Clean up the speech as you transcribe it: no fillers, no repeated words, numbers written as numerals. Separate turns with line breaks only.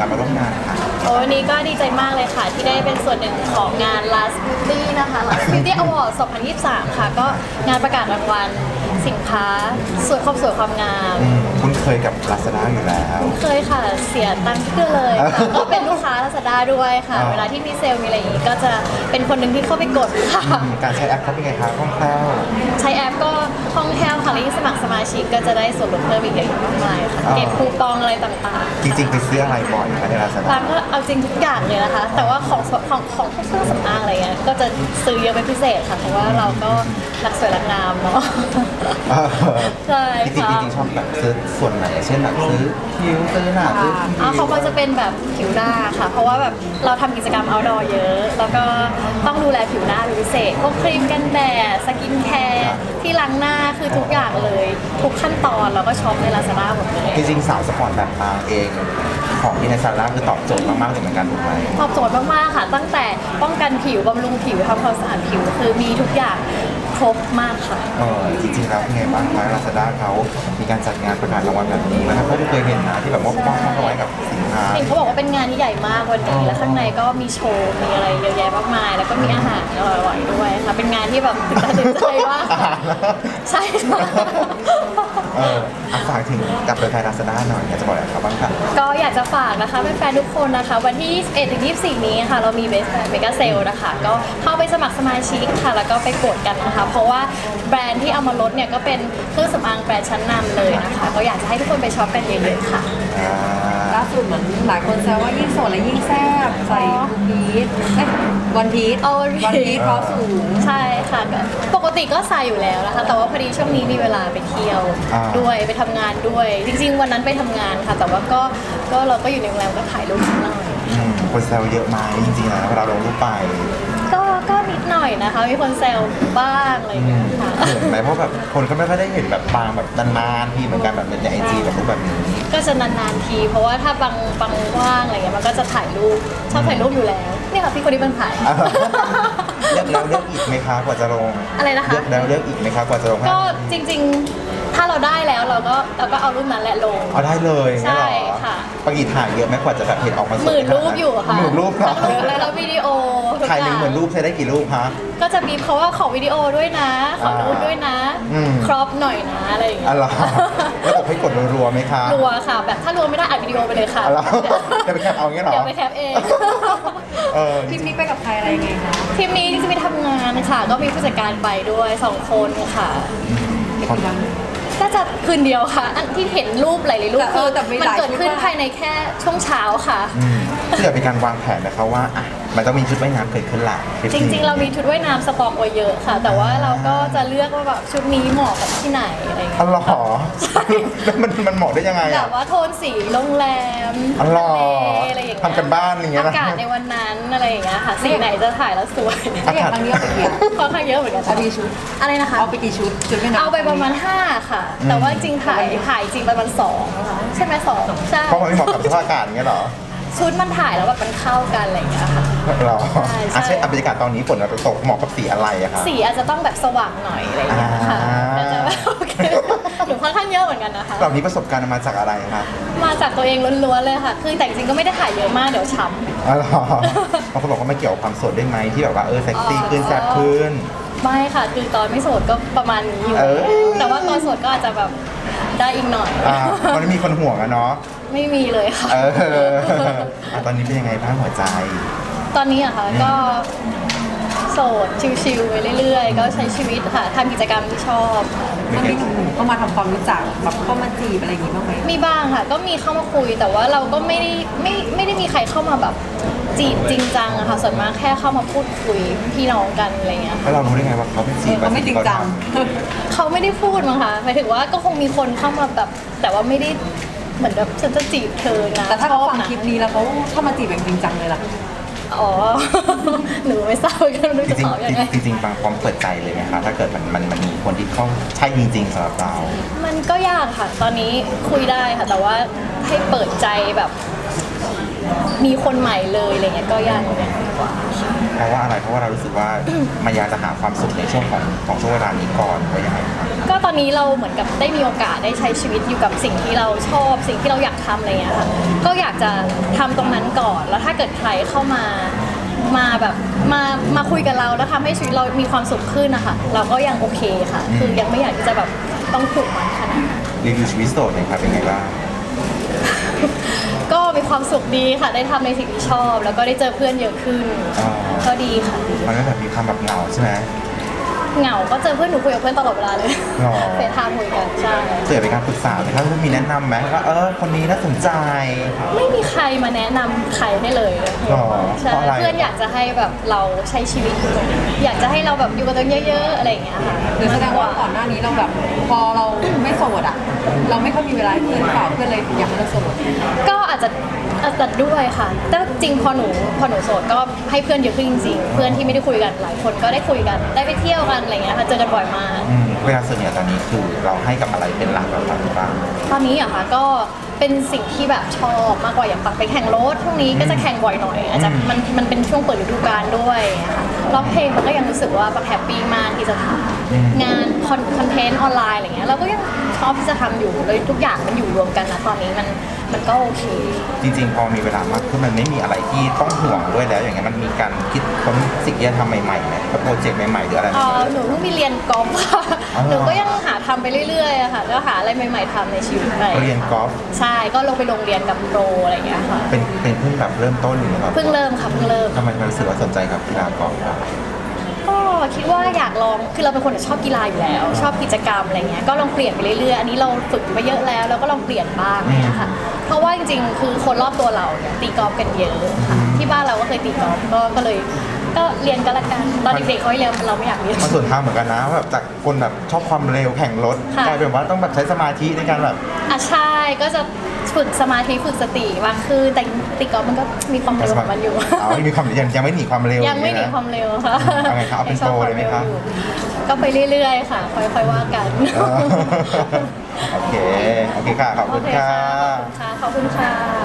การมาร่วมงานค่ะ
โอ้วันนี้ก็ดีใจมากเลยค่ะที่ได้เป็นส่วนหนึ่งของงาน Last Beauty นะคะ Last Beauty Award 2023 ค่ะก็งานประกาศรางวัลสินค้าสวยความงาม
คุณเคยกับ Lazada อยู่แล้ว
เคยค่ะเสียตังค์เพื่อเลยค่ะก็เป็นลูกค้า Lazada ด้วยค่ะ เวลาที่มีเซลล์มีอะไรอย่างนี้ก็จะเป็นคนหนึ่งที่เข้าไปกดค่ะ
การใช้แอปเขาเป็นไงคะคล่องแคล่ว
ใช้แอปก็คล่องแคล่วค่ะและยิ่งสมัครสมาชิกก็จะได้ส่วนลดเพิ่มอีกเยอะมากมายค่ะเก็บคูปองอะไรต่างๆ
จริงๆไปซื้ออะไรบ่อยคะใน Lazada
ร้านก็เอาจริงทุกอย่างเลยนะคะ แต่ว่าของพวกเครื่องสำอางอะไรเงี้ยก็จะซื้อเยอะเป็นพิเศษค่ะเพราะว่าเราก็รักสวยรักงามเนาะใช่
จริง
ค่ะ
ๆจริงๆชอบแบบซื้อส่วนไหนเช่นแบบซื้อคิ้วซื้อหน้าซื้อคิ้ว
เขาก็จะเป็นแบบผิวหน้าค่ะ เพราะว่าแบบเราทำกิจกรรม outdoor เยอะ แล้วก็ต้องดูแลผิวหน้าเป็นพิเศษพวกครีมกันแดดสกินแคร์ที่ล้างหน้าคือทุกอย่างเลย ทุกขั้นตอนเราก็ช็อปใน Lazada หมดเลย
จริงๆสาวสปอร์ตแบบปางเองของที่ใน Lazada คือตอบโจทย์มากๆเลยเหมือนกันถูกไหม
ตอบโจทย์มากๆค่ะ ตั้งแต่ป้องกันผิวบำรุงผิวทำความสะอาดผิวคือมีทุกอย่างครบมากค่ะ
จริงๆแล้วเป็นไงบ้างคะ Lazada เขามีการจัดงานประกาศรางวัลแบบนี้นะครับเขาเคยเห็นนะที่แบบมอบเอาไว้กับสินค้า
เห็นเขาบอกว่าเป็นงานที่ใหญ่มากวันนี้แล้วข้างในก็มีโชว์มีอะไรเยอะแยะมากมาย แล้วก็มีอาหารอร่อยๆด้วยค่ะเป็นงานที่แบบตื่นตาตื่นใจมากค่ะใช่ค่ะ
ฝากถึงกับตัวแทน Lazada หน่อยอยากจะบอกอะไรครับบ้างคะ
ก็อยากจะฝากนะคะแฟนๆทุกคนนะคะวันที่ 21-24 นี้ค่ะเรามีเมกาเซลนะคะก็เข้าไปสมัครสมาชิกค่ะแล้วก็ไปกดกันนะคะเพราะว่าแบรนด์ที่เอามาลดเนี่ยก็เป็นเครื่องสำอางแบรนด์ชั้นนำเลยนะคะก็อยากจะให้ทุกคนไปช็อปกันเยอะๆค่ะ
ล่าสุดเหมือนหลายคนแซวว่ายิ่งโสดและยิ่งแซ่บใส่ทูพีชวันพีช
เอาวันพีช
เพราะสูง
ใช่ค่ะก็ปกติก็ใส่อยู่แล้วนะคะแต่ว่าพอดีช่วงนี้มีเวลาไปเที่ยวด้วยไปทำงานด้วย จริงๆวันนั้นไปทำงานค่ะ แต่ว่าก็เราก็อยู่ในโรงแรมก็ถ่ายรูปนิดหน่อย
คนแซวเยอะไหมจริงๆแล้วเวลาลงรูปไป
ก็นิดหน่อยนะคะมีคนแซวบ้างอะไรอย่างเงี้ยค่ะ
เห็นไหมเพราะแบบคนก็ไม่ค่อยได้เห็นแบบปางแบบนานๆทีเหมือนกันแบบในไอจีแบบรูปแบบนี้
ก็จะนานๆทีเพราะว่าถ้าบางว่างอะไรเงี้ยมันก็จะถ่ายรูปชอบถ่ายรูปอยู่แล้วเนี่ยค่ะพี่คนนี้เป็นถ่าย
เลือกแล้วเลือกอีกไหมคะกว่าจะลง
อะไรนะคะ
เลือกแล้วเลือกอีกไหมคะกว่าจะลง
ก็จริงๆถ้าเราได้แล้วเราก็เอารูปนั้นแหละลง
เอาได้เลย
ใช่
งั้นเหรอ
ค่ะ
ปกติถ่ายเยอะไหมกว่าจะแบบเห็นออกมาสวย
หมื่นรูปอยู่ค่ะ
หมื่นรูปเหรอ
แล้ววิดีโอทุก
ถ่าย
อ
หนึ่
ย่าง ง
หมื่นรูปใช้ได้กี่รูปคะ
ก็จะบีบเขาว่าขอวิดีโอด้วยนะ ขอรูปด้วยนะ ครอปหน่อยนะอะไรอย่างเงี้
อ๋
ย
อเหรอแล้วบอกให้กดรัวๆไหมคะ
รัวค่ะ แบบถ้ารัวไม่ได้อัดวิดีโอไปเลยค่ะ
อ๋อเหรอเดี๋ยวไปแคปเอาอย่างเงี้ยเหรอ
เดี๋ยวไปแคปเอง
ทริปนี้ไปกับใครอะไรยังไงคะ
ทีมนี้จะไปทำงานค่ะ ก็มีผู้จัดการไปด้วย2 คนค่ะ น่าจะคืนเดียวค่ะ อันที่เห็นรูปหลายๆรูปคือ
แต่มี
มัน
หลาย
เกิดขึ้น
ชุดมาก
ภายในแค่ช่วงเช้าค่ะ
เพื่อเป็นการวางแผนนะคะว่าอ่ะมันต้องมีชุดว่ายน้ำเกิดขึ้นละท
จ
นี้
ริงๆ เรามีชุดว่ายน้ำสต็อกไว้เยอะค่ะ แต่ว่าเราก็จะเลือกว่าแบบชุดนี้เหมาะกับที่ไหนอะไรอย่างเงี้ย
อ๋อเหรอแล้วมันเหมาะได้ยังไง
แบ
อ่ะ
บว่าโทนสีโรงแรม
อ๋อเหรอ
ทะเลอะไรอย่างเงี้ย
ทำกันบ้านอย่างเงี้ยนะ
อากาศในวันนั้นอะไรอย่างเงี้ยค่ะสีไหนจะถ่ายแล้วสวย
ถ้าอย่างครั้งนี้เอาไปกี่
ค่อนข้างเยอะเหมือนกัน
เอาไปกี่ชุด
อะไรนะคะ
เอาไปกี่ชุดชุดไม่นับ
เอาไปประมาณ5ค่ะ แต่ว่าจริงถ่ายจริงประมาณ2นะคะใช่ไหม2ใช่
เพราะมันไม่เหมาะกับสภาพอากาศอย่างเงี้ยเหรอ
ชุดมันถ่ายแล้วแบบมันเข้ากันอะไรอย่างเงี้ยค่ะ
เหรอ
ใช่
อ่ะเช่นบรรยากาศตอนนี้ฝนตกเหมาะกับสีอะไรอะคะ
สีอาจจะต้องแบบสว่างหน่อยอะไรอย่างเงี้ยค่ะ
อ่า
แต่จะแบบโอเคหนูค่อนข้างเยอะเหมือนกันนะคะ
เหล่านี้ประสบการณ์มาจากอะไรคะ
มาจากตัวเองล้วนๆเลยค่ะ คือแต่จริงๆก็ไม่ได้ถ่ายเยอะมากเดี๋ยวช้ำ
อ๋อเหรอบางคนบอกว่าไม่เกี่ยวกับความโสดได้ไหมที่แบบว่าเซ็กซี่ขึ้นแซ่บขึ้น
ไม่ค่ะคือตอนไม่โสดก็ประมาณนี้อยู่
เออ
แต่ว่าตอนโสดก็อาจจะแบบได้อีกหน่อย
มันไม่มีคนห่วงอะเนาะ
ไม่มีเลยค่ะ
ตอนนี้เป็นยังไงบ้างหัวใจ
ตอนนี้อะค่ะก็โสดชิลๆไปเรื่อยๆ ก็ใช้ชีวิตค่ะทำกิจกรรมที่ชอบค่ะ
มันมีหนุ่มๆเข้ามาทำความรู้จักแบบเข้ามาจีบอะไรอย่างงี้บ้างไหม
มีบ้างค่ะ ก็มีเข้ามาคุยแต่ว่าเราก็ไม่ได้มีใครเข้ามาแบบจีบจริงจังอะค่ะส่วนมากแค่เข้ามาพูดคุยพี่น้องกันอะไรเงี้ย
แล้วเรารู้ได้ไงว่าเขาเป็นจีบ
เขาไม่จริงจัง
เขาไม่ได้พูดมั้งคะหมายถึงว่าก็คงมีคนเข้ามาแบบแต่ว่าไม่ได้เหมือนแบบฉันจะจีบเธอนะ
แต่ถ้าเขาฟัง
ชอบนะ
คลิปนี้แล้วเขาเข้ามาจีบแบบจริงจังเลยล่ะ
อ๋อ หนูไม่ทราบกันรู้
จ
จะ
ริง
ตอบยังไง
ๆจริงๆบางพร้อมเปิดใจเลยไหมคะถ้าเกิดมันมีคนที่เข้าใช่จริงๆสำหรับเรา
มันก็ยากค่ะ ตอนนี้คุยได้ค่ะ แต่ว่าให้เปิดใจแบบมีคนใหม่เลยอะไรเงี้ยก็ยังดีกว่าค่ะ
เพราะว่าอะไรเพราะว่าเรารู้สึกว่า มันอยากจะหาความสุขในช่วงของช่วงเวลานี้ก่อนหรือยังไงครับ
ก็ตอนนี้เราเหมือนกับได้มีโอกาสได้ใช้ชีวิตอยู่กับสิ่งที่เราชอบสิ่งที่เราอยากทำอะไรเงี้ยค่ะก็อยากจะทำตรงนั้นก่อนแล้วถ้าเกิดใครเข้ามาแบบมาคุยกับเราแล้วทำให้ชีวิตเรามีความสุขขึ้นนะคะเราก็ยังโอเคค่ะ คือยังไม่อยากที่จะแบบต้องผูกมันขนาดนั้น
รีวิวชีวิตโสดหน่อยครับเป็นไงบ้าง
ก็มีความสุขดีค่ะได้ทำในสิ่งที่ชอบ แล้วก็ได้เจอเพื่อนเยอะขึ้น
อ๋อ
ก็ดีค่ะ
มันก็แบบมีความแบบเหงาใช่ไหม
เหงาก็เจอเพื่อนหนูคุยกับเพื่อนตลอดเวลาเลย
หรอ
เฟซไทม์คุยกันใช่
เจอเป็นการปรึกษาไหมครับมีแนะนำไหมว่าคนนี้น่าสนใจ
ไม่มีใครมาแนะนำใครได้เลย
หรอ
ใช่
เพราะอะไร
เพื่อนอยากจะให้แบบเราใช้ชีวิตอยู่กับอยากจะให้เราแบบอยู่กับตัวเองเยอะๆอะไรอย่างเงี้ยค่ะ
หรือแสดงว่าก่อนหน้านี้เราแบบพอเราไม่โสดอ่ะ เราไม่ค่อยมีเวลาให้เพื่อนเปล่าเพื่อนเลยอยากให้เราโสด
ก็อาจจะด้วยค่ะ แต่จริงพอหนูโสดก็ให้เพื่อนเยอะขึ้นจริงๆ เพื่อนที่ไม่ได้คุยกันหลายคนก็ได้คุยกันได้ไปเที่ยวกันอะไรเงี้ยค่ะเจอกันบ่อยมาก
เวลาส่วนใหญ่ตอนนี้คือเราให้กับอะไรเป็นหลักเราบ้าง
ตอนนี้อะค่ะก็เป็นสิ่งที่แบบชอบมากกว่าอย่างปักไปแข่งรถพวกนี้ก็จะแข่งบ่อยหน่อยอาจจะมันเป็นช่วงเปิดฤดูกาลด้วยค่ะร้องเพลงมันก็ยังรู้สึกว่าปักแฮปปี้มากที่จะทำงานคอนเทนต์ออนไลน์อะไรเงี้ยเราก็ยังชอบที่จะทำอยู่เลยทุกอย่างมันอยู่รวมกันนะตอนนี้มันก็โอเค
จริงๆพอมีเวลามากขึ้นมันไม่มีอะไรที่ต้องห่วงด้วยแล้วอย่างเงี้ยมันมีการคิดค้นสิ่งที่จะทำใหม่ๆไหมโปรเจกต์ใหม่ๆหรืออะไร
หนูเพิ่งมีเรียนกอล์ฟค่ะ
อ๋อ
หนูก็ยังหาทำไปเรื่อยๆอะค่ะก็หาอะไรใหม่ๆทำในชีวิตไป
เรียนกอล์ฟ
ใช่ก็ลงไปโรงเรียนกับโปรอะไรอย่างเงี้ยค่ะ
เป็นเพิ่งแบบเริ่มต้นหรือเปล่า
เพิ่งเริ่มค่ะเพิ่งเริ่ม
ทำไมมันรู้สึกว่าสนใจกับกีฬากอล์ฟครับ
ก็คิดว่าอยากลองคือเราเป็นคนชอบกีฬาอยู่แล้ว ชอบกิจกรรมอะไรเงี้ยก็ลองเปลี่ยนไปเรื่อยๆอันนี้เราฝึกมาเยอะแล้วเราก็ลองเปลี่ยนบ้างอะไรเงี้ยค่ะเพราะว่าจริงๆคือคนรอบตัวเราเนี่ยตีกอล์ฟกันเยอะค่ะที่บ้านเราก็เคยตีกอล์ฟก็เลยก็เรียนก็แล้วกันตอนเด็กๆเขาให้เรียนเราไม่อยากเรียน
มันส่วนทางเหมือนกันนะแบบจากคนแบบชอบความเร็วแข่งรถ
ค่ะ
กลายเป็นว่าต้องแบบใช้สมาธิในการแบบ
ใช่ก็จะฝึกสมาธิฝึกสติมากขึ้นแต่ตีกอล์ฟมันก็มีความเร็วของมันอยู่
ไม่มีความยังไม่หนีความเร็ว
ยังไม่หนีความเร็วค่ะ
เอาไงครับเอาเป็นโปรเลยไหมครับ
ก็ไปเรื่อยๆค่ะ ค่อยๆว่ากัน
โอเคค่ะขอบคุณค่ะ
ขอบคุณค่ะ